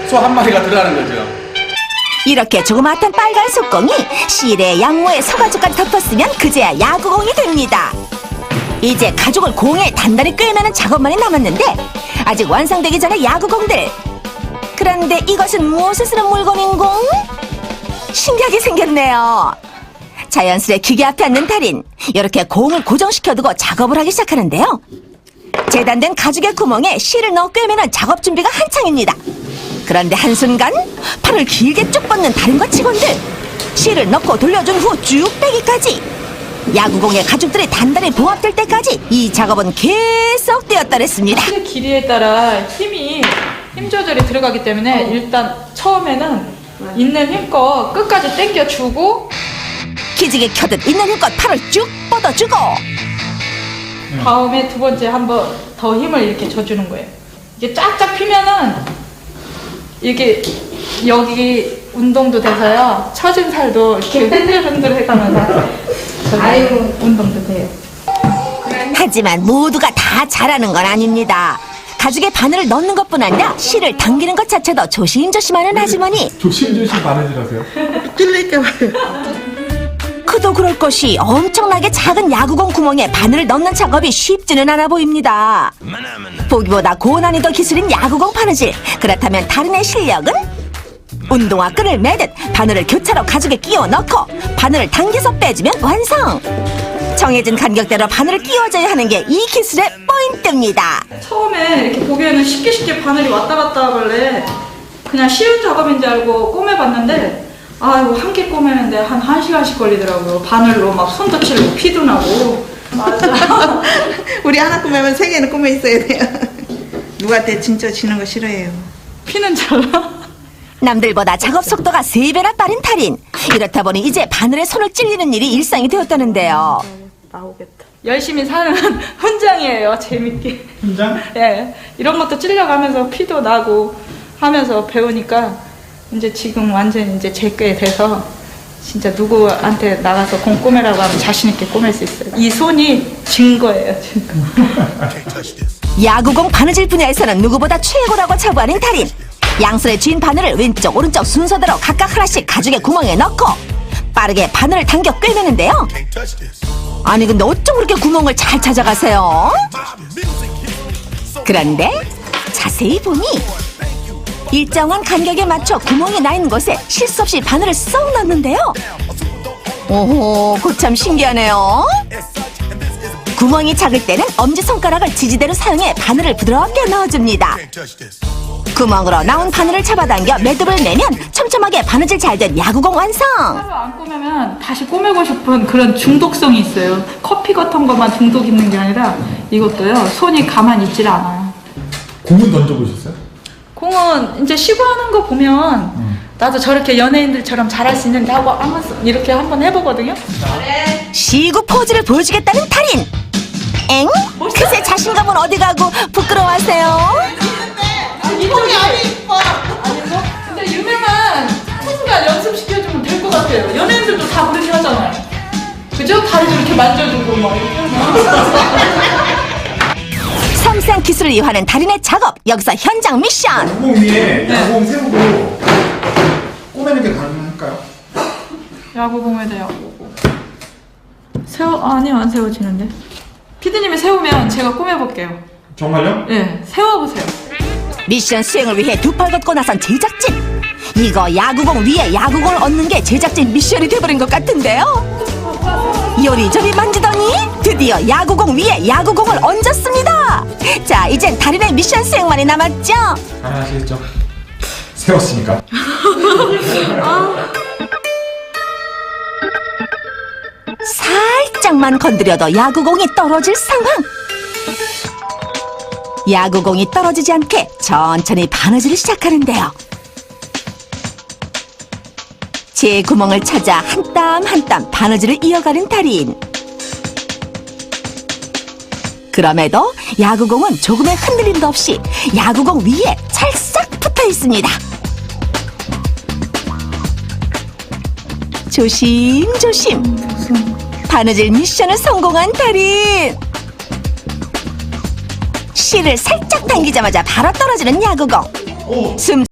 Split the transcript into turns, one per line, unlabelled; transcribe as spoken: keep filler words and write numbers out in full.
소 한 마리가 들어가는 거죠.
이렇게 조그맣던 빨간 속공이 실에 양모에 소가죽까지 덮었으면 그제야 야구공이 됩니다. 이제 가죽을 공에 단단히 꿰매는 작업만이 남았는데 아직 완성되기 전에 야구공들. 그런데 이것은 무엇을 쓰는 물건인공? 신기하게 생겼네요. 자연스레 기계 앞에 앉는 달인. 이렇게 공을 고정시켜두고 작업을 하기 시작하는데요. 재단된 가죽의 구멍에 실을 넣어 꿰매는 작업 준비가 한창입니다. 그런데 한순간 팔을 길게 쭉 뻗는 달인과 직원들. 실을 넣고 돌려준 후 쭉 빼기까지. 야구공의 가죽들이 단단히 봉합될 때까지 이 작업은 계속 되었더랬습니다.
실 길이에 따라 힘이 힘 조절이 들어가기 때문에 일단 처음에는 있는 힘껏 끝까지 당겨주고
기지개 켜듯 있는 힘껏 팔을 쭉 뻗어주고
다음에 두 번째 한번 더 힘을 이렇게 줘주는 거예요. 이게 쫙쫙 피면은 이게 여기 운동도 돼서요. 처진 살도 이렇게 흔들흔들 해가면서 아이고 운동도 돼요.
하지만 모두가 다 잘하는 건 아닙니다. 가죽에 바늘을 넣는 것뿐 아니라 실을 당기는 것 자체도 조심조심하는 아주머니.
조심조심 바느질하세요.
찔릴까 봐요.
그도 그럴 것이 엄청나게 작은 야구공 구멍에 바늘을 넣는 작업이 쉽지는 않아 보입니다. 보기보다 고난이도 기술인 야구공 바느질. 그렇다면 달인의 실력은? 운동화 끈을 매듯 바늘을 교차로 가죽에 끼워 넣고 바늘을 당겨서 빼주면 완성. 정해진 간격대로 바늘을 끼워줘야 하는 게 이 기술의 포인트입니다.
처음에 이렇게 보기에는 쉽게 쉽게 바늘이 왔다 갔다 하길래 그냥 쉬운 작업인 줄 알고 꼬매봤는데 아이고 한 개 꼬매는데 한 한 시간씩 걸리더라고요. 바늘로 막 손도 찔고 피도 나고. 맞아.
우리 하나 꾸매면 세 개는 꾸며 있어야 돼요. 누구한테 진짜 지는 거 싫어해요.
피는 잘 나.
남들보다 작업 속도가 세 배나 빠른 달인. 이렇다 보니 이제 바늘에 손을 찔리는 일이 일상이 되었다는데요.
나오겠다. 열심히 사는 훈장이에요. 재밌게.
훈장?
예, 이런 것도 찔려가면서 피도 나고 하면서 배우니까 이제 지금 완전 이제 제 게 돼서 진짜 누구한테 나가서 공 꼬매라고 하면 자신 있게 꼬맬 수 있어요. 이 손이 증거예요, 증거.
야구공 바느질 분야에서는 누구보다 최고라고 자부하는 달인. 양손에 쥔 바늘을 왼쪽 오른쪽 순서대로 각각 하나씩 가죽의 구멍에 넣고 빠르게 바늘을 당겨 꿰매는데요. 아니 근데 어쩜 그렇게 구멍을 잘 찾아가세요? 그런데 자세히 보니 일정한 간격에 맞춰 구멍이 나 있는 곳에 실수 없이 바늘을 쏙 넣는데요. 오호, 그참 신기하네요. 구멍이 작을 때는 엄지손가락을 지지대로 사용해 바늘을 부드럽게 넣어줍니다. 구멍으로 나온 바늘을 잡아당겨 매듭을 내면 촘촘하게 바느질 잘 된 야구공 완성!
하루 안 꼬매면 다시 꼬매고 싶은 그런 중독성이 있어요. 커피 같은 것만 중독 있는 게 아니라 이것도요. 손이 가만히 있질 않아요.
공은 던져보셨어요?
공은 이제 쉬고 하는 거 보면
음.
나도 저렇게 연예인들처럼 잘할 수 있는데 하고 한번 이렇게 한번 해보거든요.
시구 포즈를 보여주겠다는 달인! 엥? 그새 자신감은 어디 가고 부끄러워하세요?
이쪽이 안 이뻐. 아니 뭐? 근데 유명한 포즈가 연습시켜주면 될 것 같아요. 연예인들도 다 그렇게 하잖아요. 그죠? 다리도 이렇게 만져주고 막 이렇게.
섬세한 기술을 이용하는 달인의 작업. 여기서 현장 미션!
야구공 위에 야구공 세우고 꼬매는 게 가능할까요?
야구공에 대한 야구공. 세워 아니요 안 세워지는데. 피디님이 세우면 제가 꾸며볼게요.
정말요?
네, 세워보세요.
미션 수행을 위해 두 팔 걷고 나선 제작진. 이거 야구공 위에 야구공을 얹는 게 제작진 미션이 돼버린 것 같은데요. 요리조리 만지더니 드디어 야구공 위에 야구공을 얹었습니다. 자, 이젠 달인의 미션 수행만이 남았죠.
잘하시겠죠? 세웠으니까.
살짝만 건드려도 야구공이 떨어질 상황. 야구공이 떨어지지 않게 천천히 바느질을 시작하는데요. 제 구멍을 찾아 한 땀 한 땀 바느질을 이어가는 달인. 그럼에도 야구공은 조금의 흔들림도 없이 야구공 위에 찰싹 붙어 있습니다. 조심조심 바느질 미션을 성공한 달인. 실을 살짝 당기자마자 바로 떨어지는 야구공. 숨